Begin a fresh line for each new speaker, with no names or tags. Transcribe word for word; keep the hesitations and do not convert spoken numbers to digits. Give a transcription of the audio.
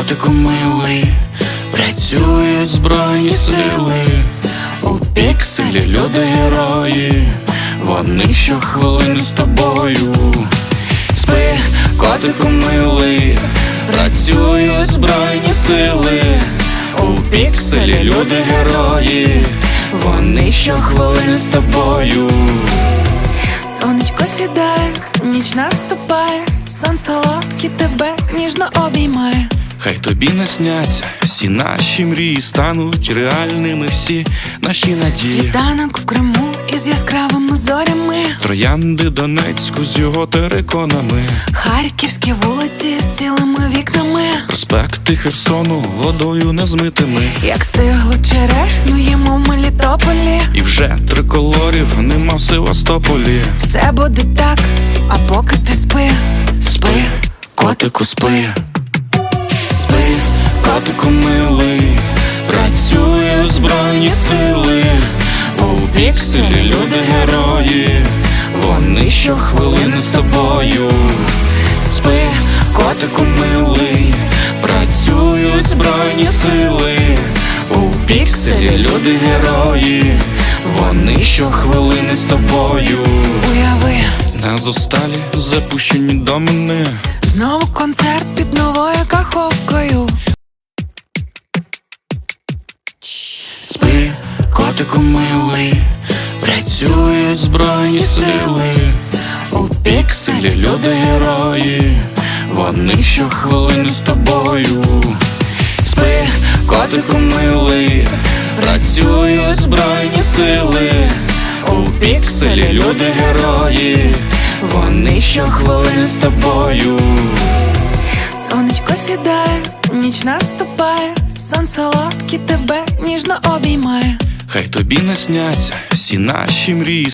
котику милий, працюють збройні сили. У пікселі люди герої, вони щохвилини з тобою. Спи, котику милий, працюють збройні сили. У пікселі люди герої, вони щохвилини з тобою.
Сонечко сідає, ніч наступає, сон солодкий тебе ніжно обіймає.
Хай тобі не сняться всі наші мрії, стануть реальними всі наші надії.
Світанок в Криму із яскравими зорями,
Троянди Донецьку з його териконами,
харківські вулиці з цілими вікнами,
проспекти Херсону водою незмитими.
як стиглу черешню їмо в Мелітополі.
І вже триколорів нема в Севастополі.
Все буде так, а поки ти спи.
Спи, котику, спи. Спи, котику милий, працюють збройні сили. У пікселі люди герої, вони щохвилини з тобою. Спи, котику милий, працюють збройні сили. У пікселі люди герої, вони щохвилини з тобою.
Уяви,
На зосталі запущені до мене,
знову концерт під новою каховкою.
спи, котику милий, працюють збройні сили. У пікселі люди герої, вони щохвилини з тобою. Спи, котику милий, працюють збройні сили. У пікселі люди герої, вони щохвилини з тобою.
Сонечко сідає, ніч наступає, сон солодкий тебе ніжно обіймає.
Хай тобі не сняться всі наші мрії.